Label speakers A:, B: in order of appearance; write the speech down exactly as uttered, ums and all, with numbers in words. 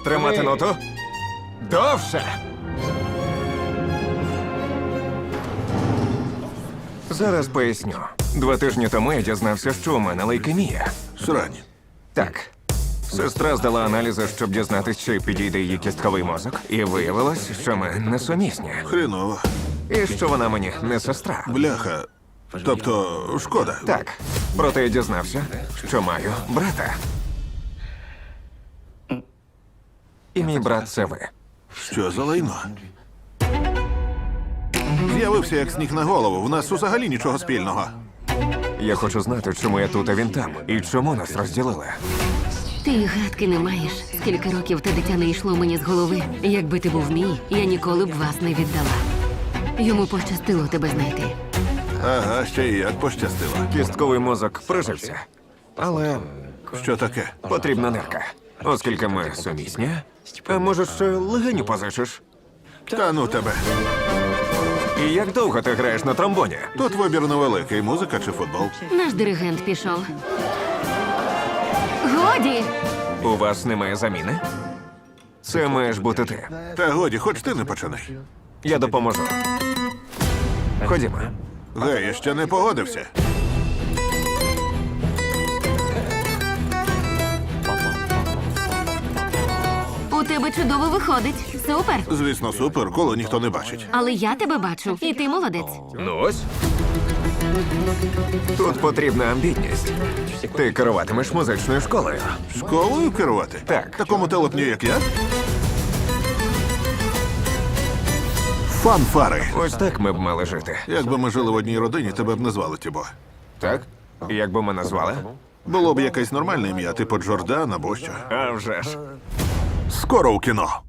A: Тримати ноту. Довше. Зараз поясню. Два тижні тому я дізнався, що у мене лейкемія.
B: Срань.
A: Так. Сестра здала аналізи, щоб дізнатися, чи підійде її кістковий мозок. І виявилось, що ми несумісні.
B: Хреново.
A: І що вона мені не сестра.
B: Бляха. Тобто, шкода.
A: Так. Проте я дізнався, що маю брата. І мій брат це ви.
B: Що за лайно? З'явився як сніг на голову. В нас взагалі нічого спільного.
A: Я хочу знати, чому я тут, а він там. І чому нас розділили.
C: Ти й гадки не маєш. Скільки років те дитя не йшло мені з голови. Якби ти був мій, я ніколи б вас не віддала. Йому пощастило тебе знайти.
B: Ага, ще й як пощастило.
A: Кістковий мозок прижився. Але
B: Що таке?
A: потрібна нирка. Оскільки ми сумісні. А може, ще легеню позичиш?
B: Та ну тебе.
A: І як довго ти граєш на тромбоні?
B: Тут вибір невеликий. Музика чи футбол?
C: Наш диригент пішов. Годі!
A: У вас немає заміни? Це маєш бути ти.
B: Та годі, хоч ти не починай.
A: Я допоможу. Ходімо.
B: Гей, я ще не погодився.
C: У тебе чудово виходить. Супер!
B: Звісно, супер, коли ніхто не бачить.
C: Але я тебе бачу, і ти молодець.
A: Ну ось. Тут потрібна амбітність. Ти керуватимеш музичною школою.
B: Школою керувати?
A: Так.
B: Такому телепню, як я? Фанфари.
A: Ось так ми б мали жити.
B: Якби ми жили в одній родині, тебе б не звали Тібо.
A: Так? І як би ми назвали?
B: Було б якесь нормальне ім'я, типу Джордан або що.
A: А вже ж.
B: Скоро у кіно.